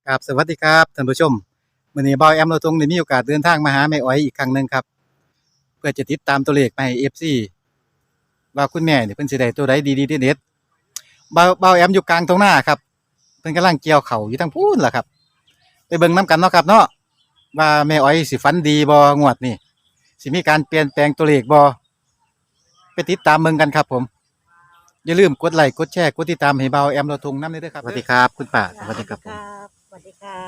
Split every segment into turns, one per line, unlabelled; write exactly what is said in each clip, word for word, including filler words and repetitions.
ครับสวัสดีครับท่านผู้ชมมื้อนี้เบาแอมเราทงได้มีโอกาสเดินทางมาหาแม่อ้อยอีกครั้งหนึ่งครับเพื่อจะติดตามตัวเลขมาให้ เอฟ ซี ว่าคุณแม่นี่เพิ่นสิได้ตัวใดดีๆเด็ดๆเบาเบาแอมอยู่กลางทุ่งนาครับเพิ่นกำลังเกี่ยวข้าวอยู่ทางพู้นล่ะครับไปเบิ่งนํกันเนาะครับเนาะว่าแม่อ้อยสิฝันดีบ่งวดนี้สิมีการเปลี่ยนแปลงตัวเลขบ่ไปติดตามเบิ่งกันครับผมอย่าลืมกดไลค์กดแชร์กดติดตามให้เบาแอมเราทงนำด้วยเด้อครับสวัสดีครับคุณป้าสวัสดีครับผม
สวัสดีค่ะ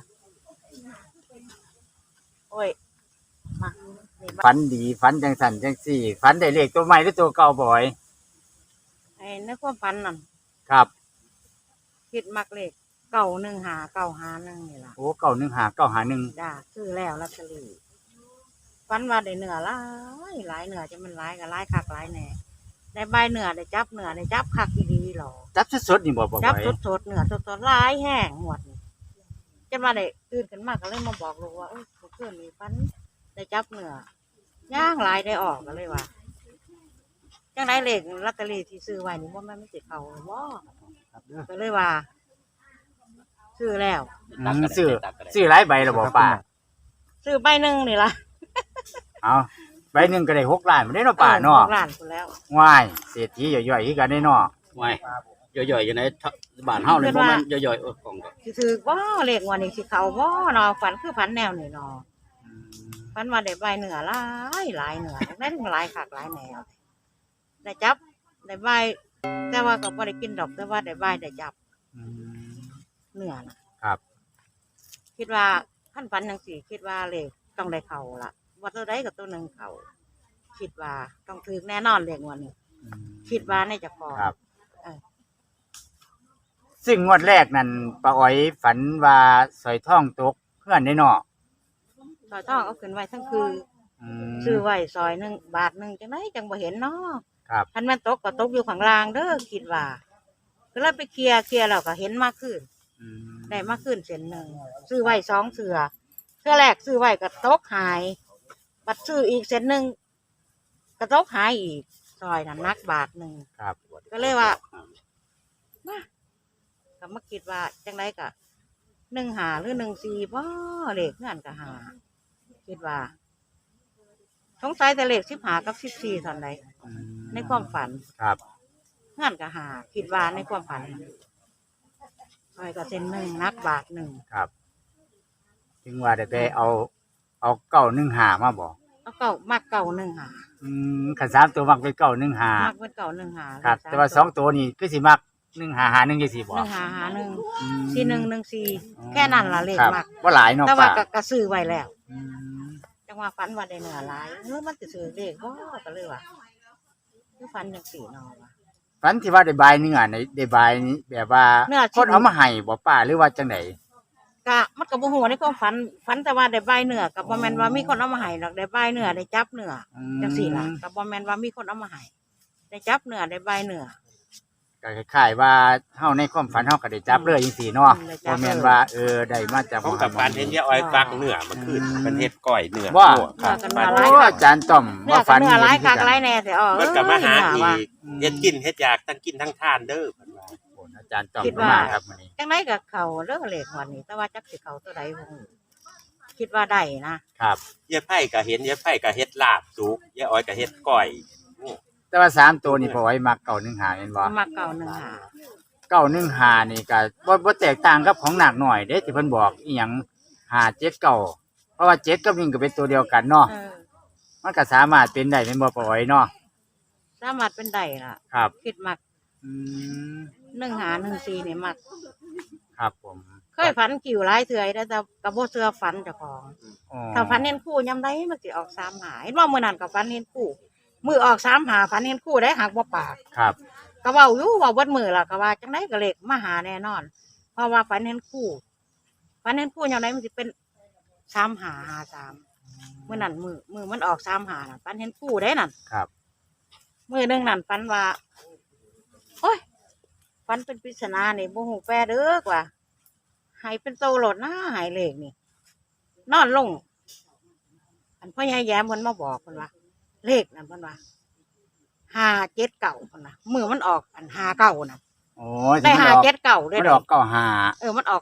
โอ้ยมานี่บ้า
ฝันดีฝันจังสันจังสี่ฝันได้เลขตัวใหม่หรือตัวเก่าบ่อย
ไอ้ในความฝันนั่น
ครับ
คิดมักเลขเก่าหนึ่งหาเก่าหาหนึ่งนี่ล่ะ
โอ้เก่าหนึ่งหาเก่าหาหนึ่ง
จ้าซื้อแล้วลอตเตอรี่ฝันว่าได้เนื้อหลายหลายเนื้อจะมันหลายกับหลายคักหลายแน่ได้ใบเนื้อได้จับเนื้อได้จับคักอีดีหรอ
จับสดๆนี่บ่บ่
จับ
อย
สดสดๆเนื้อสดสดๆหลายแห้งหมดนี่จนมาได้ตื่นขึ้นมาก็เลยมาบอกลูกว่าเอ้ยเพื่อนมีฝันได้จับเนื้อย่างหลายได้ออกก็เลยว่าจังไรเลขลอตเตอรี่ที่ซื้อไว้นี่ว่ามันไม่ติดเขาหรือว่าก็เลยว่า ซื้อแล้ว
อืมซื้อซื้อหลายใบแล้วบ่ป้า
ซื้อใบหนึ่งนี่ละ
เอาใบหนึ่งก็ได้หกล้านบ่ได้เนาะป้าเนาะ
ออหกล้านคนแล้ว
ว้ายเศรษฐีย่อยๆคือกันได้เนาะ
ไว้ย่อยๆอยู่ในบ้านเฮาเลยบ่แม่นย่อยๆเออกล่องก็
สิถือว่าเลขวันนี้สิเขาว่าเนาะฝันคือฝันแนวนี่เนาะ
อืม
ฝันว่าได้ใบเหนือหลายหลายเหนือได้ถึงหลายขากหลายแนวได้จับได้ใบแต่ว่าก็บ่ได้กินดอกแต่ว่าได้ใบได้จับ
อืม
เหนือนะครับ คิดว่าขั้นฝันยังสี่คิดว่าเลขต้องได้เขาละว่าตัวใดกับตัวหนึ่งเขาคิดว่าต้องถือแน่นอนเลขวันนี้
อืม
คิดว่าในจะพอ
ครับ
เออ
ซึ่งงวดแรกนั่นป้าอ้อยฝันว่าสร้อยทองตกเพื่อนได้เนาะ
ซอยทองเอาขึ้นไว้ทั้งคือ
อืม
ซื้อไว้ซอยหนึ่งบาทหนึ่งจังไหนจังบ่เห็นเนาะ
ครับ
ทันแม่นตกก็ตกอยู่ข้างล่างเด้อคิดว่าก็เลยไปเคลียร์เคลียร์แล้วก็เห็นมากขึ้น
อืม
ได้มากขึ้นเส้นหนึ่งซื้อไว้สองเสือเสือแรกซื้อไว้ก็ตกหายบัดซื้ออีกเส้นหนึ่งก็ตกหายอีกซอยนั้นนักบาทหนึ่ง
ครับ
ก็เลยว่ามาก็มาคิดว่าจังไรก็หนึ่งหาหรือหนึ่งสี่บ่เลขเงื่อนก็หาคิดว่าสงสัยแต่เลขสิบหากับสิบสี่ตอนใด
อืม
ในความฝัน
ครับ
เงื่อนก็หาคิดว่าในความฝันซอยก็เส้นหนึ่งนักบาทหนึ่ง
ครับถึงว่าได้ไปเอา เอาเก้าหนึ่งหามาบอก
เอาเก่ามักเก่าหนึ่งหา
อืมขันสามตัวมักเป็นเก้าหนึ่งหา
มักเป็นเก่าหนึ่งหา
ครับ แต่ว่าสองตัวนี่คือสิมักหนึ่งหาหาหนึ่งยี่สิบ
ห
บอ
นึ่
ก
งหาหาหนึ่ง
อืม
สี่หนึ่งหนึ่งสี่แค่นั้นละเลข
ครับ
มัก
ว่าหลายเนาะ
แต่ว่า
ป้า
ก็กระซื้อไว้แล้ว
อืม
จังว่าฝันว่าได้เหนือหลายเมื่อมันจะซื้อเลขก็ก็เลยว่าคือฝันอย่างสี่นอวะ
ฝันที่ว่าได้บายเนื้อในได้บายนี้แบบว่า
เนื้อชิ้
คน นเอามาให้บ่ป้าหรือว่าจังไหน
กะมันกับโมโหในความฝันฝันแต่ว่าได้ใบเนื้อกับบ่แมนว่ามีคนเอามาให้หรอกได้ใบเนื้อได้จับเนื้อ
อืม
จังสี่ล่ะกับบ่แมนว่ามีคนเอามาให้ได้จับเนื้อได้ใบเนื้อ
ก็คล้ายๆว่าเฮาในความฝันเฮาก็ได้จับเลยจังซี่เนาะ
อืมได้จับ
บ่แม่น
เลย
ว่าเออได้มาจาก
เขากับการเห็นยาอ้อยฟักเนื้อมันขึ้นเป็นเฮ็ดก้อยเนื้อ
ว่า
ลวกครับ
เนื้อกัน
บ้าน
มา
โอ้อาจารย์ต้อม
เนื้อ
ว่า
กั
ฝั
บ
น
เนื้อหลาย
เห็น
กาก
คือ
หลา
กั
ย
น
แน่แต่อ๋อ
มันก็มาหา
เนื้อ
อี
ว่ะ
กเฮ็ดกินเฮ็ดอยากทั้งกินทั้งทานเด้อเพิ่นว่า
โอ้อาจารย์ต้อม
คิด
ก็
ว่า
มาครับมื้อนี้
จังไรกับเขาเรื่องเลขวันนี้แต่ว่าจักสิเขาตัวใดบ่รู้คิดว่าได้นะครับ
ยายไผ่ก็เห็นยายไผ่ก็เฮ็ดลาบสุกยายอ้อยก็เฮ็ดก้อยโอ้
แต่ว่าสามตัวนี่พอไว้มักเก้าหนึ่งหาแม่นบ่
มาเก่าหนึ่งหา
เก้าหนึ่งหานี่ก็บ่บ่แตกต่างกับของหนักหน่อยเด้ที่เพิ่นบอกอีหยังหาเจ็ดเก้าเพราะว่าเจ็ดกับหนึ่งก็เป็นตัวเดียวกันเนาะ
เออ
มันก็สามารถเป็นได้เป็นบ่ปล่อยเนาะ
สามารถเป็นได้ล่ะ
ครับ
คิดมัก
อืม
หนึ่งหาหนึ่งสี่นี่มัก
ครับผม
เคยฝันกิ่วหลายเถื่อยแล้วแต่กระโบเสือฝันเจ้าของ
อ๋อ
ถ้าฝันเห็นคู่ยำได้มันสิออกสามหาเห็นว่ามื่อนั้นกับฝันเห็นคู่มือออกสามหาฝันเห็นคู่ได้หักบ่ปาก
ครับ
ก็เว้าอยู่เว่าเบดมือล่ะก็ว่าจังไดก็เลขมาหาแน่นอน เพราะว่าฝันเห็นคู่ฝันเห็นคู่ยำได้มันสิเป็นสามหาหาสามมื่อนั้นมือมือมันออกสามหาน่ะฝันเห็นคู่ได้นั่น
ครับ
มือหนึงนั่นฝันว่าโอ้ยฝันเป็นปริศนานี่บ่ฮู้แปลเด้อกว่าให้เป็นโตโหลดนะให้เลขนี่นอนลง อันพ่อใหญ่แย้มเพิ่นมาบอกเพิ่นว่า เลขนั่นเพิ่นว่าห้าเจ็ดเก่าเพิ่นว่ามือมันออกอันห้าเก่าน่ะ
โอ้
ได้
ที่มัน
ห้า
ออก
เจ็ดเก่าด้ว
มั
ย
นออกเก้าหา
เออมันออก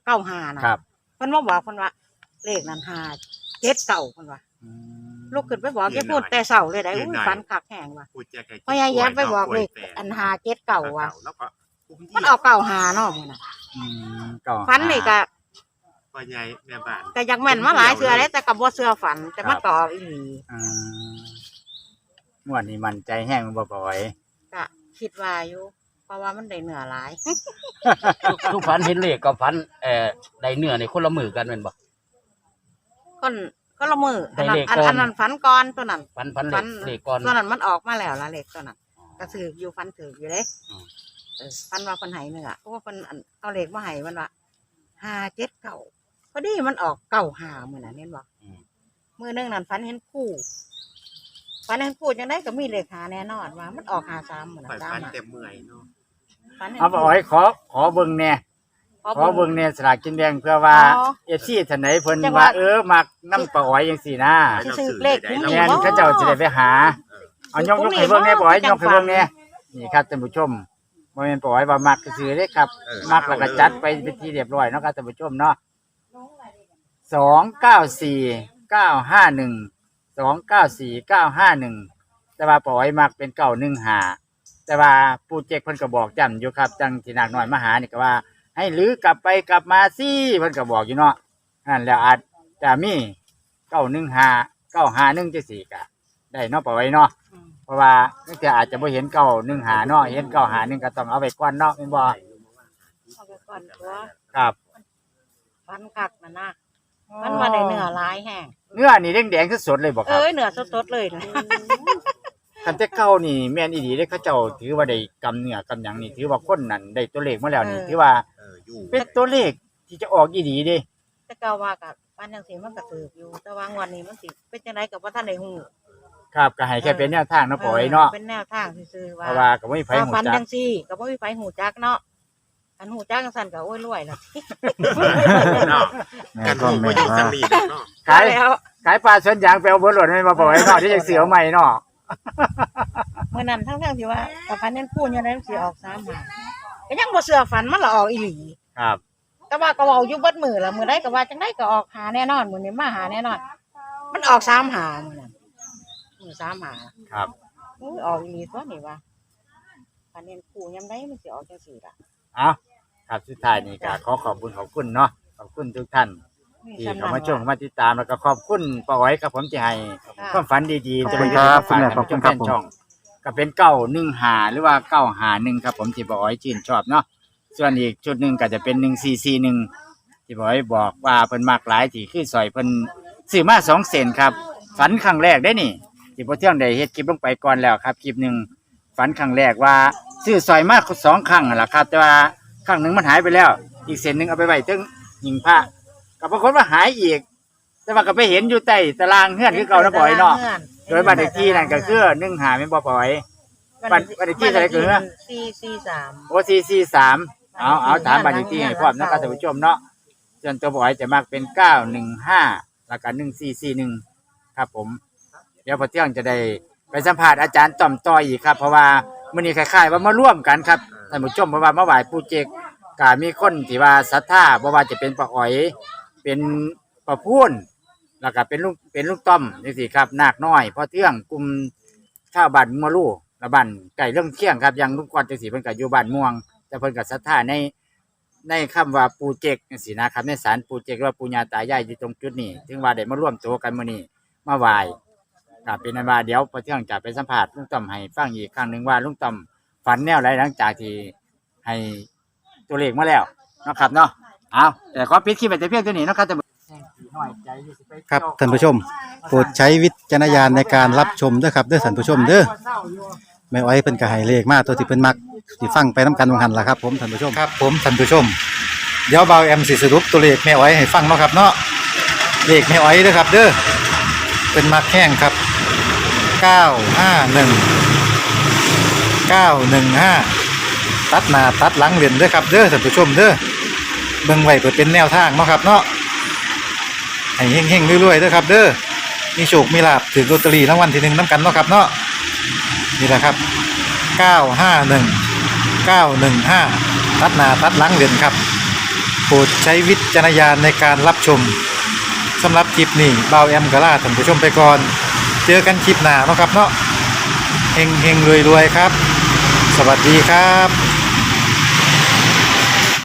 เก้าห้านะครับ เพิ่นมาบอกเพิ่นว่าเลขนั้นห้าเจ็ดเก้าเพิ่นว่า
อืม
ลูกขึ้นไปบอกแกพูดแต่เช้าเลยได้อุ้ยฝันคักแห้งว่ะ
พูดแจก
พ่อยายแย้มไปบอกเลขอันห้าเจ็ดเก้าว่ะ
แล้วก็
มันออกเก้าห้าเนาะมื้อน่ะ
อืมเก้า
ฝันนี่ก็
พ่อยายแม่บ้าน
ก็อยังแม่นมาหลายเทื่อแล้วแต่ก็บ่เชื่อฝันแต่มันก็ออกอีหลี
อืมงวดนี้มันใจแห้งบ่ปล่อย
ก็คิดว่าอยู่เพราะว่ามันได้เนื้อหลาย
ทุกฝันเห็นเลขกับฝันเอ่อได้เนื้อในคนละมือกันแม่นบ่
คนก็ละมืออันนั้น
ได้เลข
อัน
ก่อน
อันนั้นฝันก่อนตัวนั้น
ฝันฝันเล
ฝั
ข
น
เลขก่อน
ตัวนั้นมันออกมาแล้วละเลขตัวนั้นก็ถืออยู่ฝันถืออยู่เด้
อืม
เออฝันว่าคนใหายเนื้อเพราะว่าคนอันเอาเลขมาให้มันว่าห้าเจ็ดเก้าพอดีมันออกเก้าห้ามือน่ะเห็นบ่มือหนึงนั่นฝันเห็นคู่ฝันเห็นคู่จังได้ก็มีเลขหาแน่นอนว่ามันออกหาสามมือ
ข่อย
น่ะสาม
ฟัน
หา
เต็มเมื่อยเนาะ
ฝันเห็น
เอาปล่อยขอขอเบิ่งแน่ขอเบิ่งแน่สลากกินแดงเพื่อว่า เอฟซีท่านไหนเพิ่น
จังว่า
ว่าเออมักน้ำปลาอ้อยจังซี่นะ
สิซื้อเลขคุ้ม
แม่นเขาเจ้าสิได้ไปหาเอายกยกให้เบิ่งแน่ปล่อยยกให้เบิ่งแน่นี่ครับท่านผู้ชมบ่แม่นปล่อยว่ามักซื่อๆเด้ครับ มักแล้วก็จัดไปเป็นที่เรียบร้อยเนาะครับท่านผู้ชมเนาะสองเก้าสี่เก้าห้าหนึ่งสองเก้าสี่เก้าห้าหนึ่งแต่ว่าปล่อยมักเป็นเก้าหนึ่งห้าแต่ว่าปู่เจกเพิ่นก็บอกย้ำอยู่ครับจังที่นักน้อยมาหานี่ก็ว่า ให้ลื้อกลับไปกลับมาสิเพิ่นก็บอกอยู่เนาะนั่นแล้วอาจจะมีเก้าหนึ่งห้าเก้าห้าหนึ่งจังซี่ก็ได้เนาะปล่อยเนาะ
อืม
เพราะว่าเนื่องจากอาจจะบ่เห็นเก้าหนึ่งห้าเนาะเห็นเก้าห้าหนึ่งก็ต้องเอาไว้ก่อนเนาะแม่นบ่
เอาไปก่อนตัว
ครับ
ฝันคักนั่นนะมันว่าได้เนื้อหลายแห้ง
เนื้อนี่แดงๆสดๆเลยบ่ครับ
เอ้ยเนื้อสดๆเลยนะ
คันแต่เก่านี่แม่นอีหลีเด้เขาเจ้าถือว่าได้กำเนื้อกำหยังนี่ถือว่าคนนั้นได้ตัวเลขมาแล้วนี่ถือว่า
เอออยู่
เป็นตัวเลขที่จะออกอีหลีเด้
แต่ก็ว่ากับบ้านจังซี่มันก็ถืออยู่ แต่ว่างวดนี้มันสิเป็นจังไดก็บ่ทันได้ฮู้
ครับก็ให้แค่เป็นแนวทางเนาะปล่อยเนาะ
เป็นแนวทางซื่อๆ
เพ
ว่า
ราะว่าก็บ่มีไผ
ว่า
ฮู้
ฝัน
จั
จั
ก
งซี่ก็บ่มีไผฮู้จักเนาะอันฮู้จักจังซั่นก็โอ้ยรวยแล้ว
เนาะ
แม่
กัน
ก็
ถูก
แม่
บ่อยู่
ว่า
สมีเนาะ
ขาย
แล้ว
ขายปลาสวนยางไปเอาเบ่หล่นให้มาปล่อยเนาะที่จะเสือเอาใหม่เนาะ
มื้อนั้นทั้งๆที่ว่ากับฝันนั้นพูดยังไงมันสิออกสามหาก็ยังบ่เชื่อฝันมันละออกอีหลี
ครับ
แต่ว่าก็เว้าอยู่เบิดมื้อละมื้อใดก็ว่าจังไดก็ออกหาแน่นอนมื้อนี้มาหาแน่นอน มันออกสามหามื้อนั้นมื้อสามหา
ครับ
อุ้ยออกอีหลีตัวนี้ว่าฝันเห็นคู่ยามใดมันสิออกจังซี่ล่ะ
เอาครับสุดท้ายนี่ก็ขอขอบคุณขอบคุณเนาะขอบคุณทุกท่านที่เข้ามาชมเข้ามาติดตามแล้วก็ขอบคุณป้าอ้อยกับผมที่ให้ความฝันดีๆ
ขอบคุณครับคุณแม่ขอบคุณครับผม
ช่องก็เป็นเก้าหนึ่งหาหรือว่าเก้าหาหนึ่งครับผมที่ป้าอ้อยชื่นชอบเนาะส่วนอีกชุดหนึ่งก็จะเป็นหนึ่งสี่สี่หนึ่งที่ป้าอ้อยบอกว่าเพิ่นมากหลายที่คือซอยเพิ่นซื้อมาสองเซนครับฝันครั้งแรกได้นี่ที่พอเที่ยงได้เฮ็ดคลิปลงไปก่อนแล้วครับคลิปหนึ่งฝันครั้งแรกว่าซื้อซอยมาสองครั้งนั่นแหละครับแต่ว่าครั้งหนึ่งมันหายไปแล้ว อีกเส้นหนึ่งเอาไปไว้ถึงหิ้งพระก็ปรากฏว่าหายอีก แต่ว่าก็ไปเห็นอยู่ใต้ตารางเฮือนคือเก่านะปล่อยเนาะโดยบ้านเลขที่นั่นก็คือหนึ่งหาไม่นบ่ปล่อย บ้านบ้านเลขที่เท่าไหร่เกินนะ
สี่สี่สาม
โอซีซีสามเอาเอาถามบ้านเลขที่ให้พร้อมนะครับท่านผู้ชมเนาะส่วนตัวปล่อยจะมากเป็นเก้าหนึ่งห้าแล้วก็หนึ่งสี่สี่หนึ่งครับผม เดี๋ยวพอเที่ยงจะได้ไปสัมภาษณ์อาจารย์ต่อมต่ออีกครับ เพราะว่ามื้อนี้คล้ายๆว่ามาร่วมกันครับท่านผู้ชมเพราะว่ามาไหว้ปู่เจกก็มีคนที่ว่าศรัทธาบ่ว่าจะเป็นป้าอ้อย เป็นป้าพูนแล้วก็เป็นลุงเป็นลุงต้อมจังซี่ครับนาคน้อยพอเที่ยงกลุ่มชาวบ้านมัวลู่ละบ้านไก่เรื่องเที่ยงครับยังลุงกวนจังซี่เพิ่นก็อยู่บ้านม่วงแต่เพิ่นก็ศรัทธาในในคำว่าปู่เจกจังซี่นะครับในศาลปู่เจกหรือว่าปู่ย่าตายายอยู่ตรงจุดนี้ถึงว่าได้มาร่วมตัวกันมื้อนี้มาไหว้ก็เป็นอันว่าเดี๋ยวพอเที่ยงจะไปสัมภาษณ์ลุงต้อมให้ฟังอีกครั้งหนึงว่าลุงต้อมฝันแนวใดหลังจากที่ให้ตัวเลขมาแล้วเนาะครับเนาะเอาแต่ขอปิดคลิปไปแต่เพียงเท่านี้เนาะครับท่านผู้
ครับท่านผู้ชมโปรดใช้วิจารณญาณในการรับชมด้วยครับเด้อท่านผู้ชมเด้อแม่อ้อยเพิ่นก็ให้เลขมาตัวที่เพิ่นมักสิฟังไปนํกันว่าหั่นล่ะครับผมท่านผู้ชมครับผมท่านผู้ชมเดี๋ยวเบาแอมสิสรุปตัวเลขแม่อ้อยให้ฟังเนาะครับเนาะเลขแม่อ้อยเด้อครับเด้อเพิ่นมักแห้งครับเก้าห้าหนึ่ง เก้าหนึ่งห้าตัดหน้าตัดหลังเล่นเด้อครับเด้อท่านผู้ชมเด้อเบิ่งไว้เพื่อเป็นแนวทางเนาะครับเนาะให้เฮงๆรวยๆเด้อครับเด้อมีโชคมีลาภถือลอตเตอรี่รางวัลที่หนึ่งนำกันเนาะครับเนาะนี่แหละครับเก้าห้าหนึ่ง เก้าหนึ่งห้าตัดหน้าตัดหลังเล่นครับโปรดใช้วิจารณญาณในการรับชมสำหรับคลิปนี้บ่าวแอมกะลาท่านผู้ชมไปก่อนเจอกันคลิปหน้าเนาะครับเนาะเฮงเฮงรวยรวยๆครับสวัสดีครับ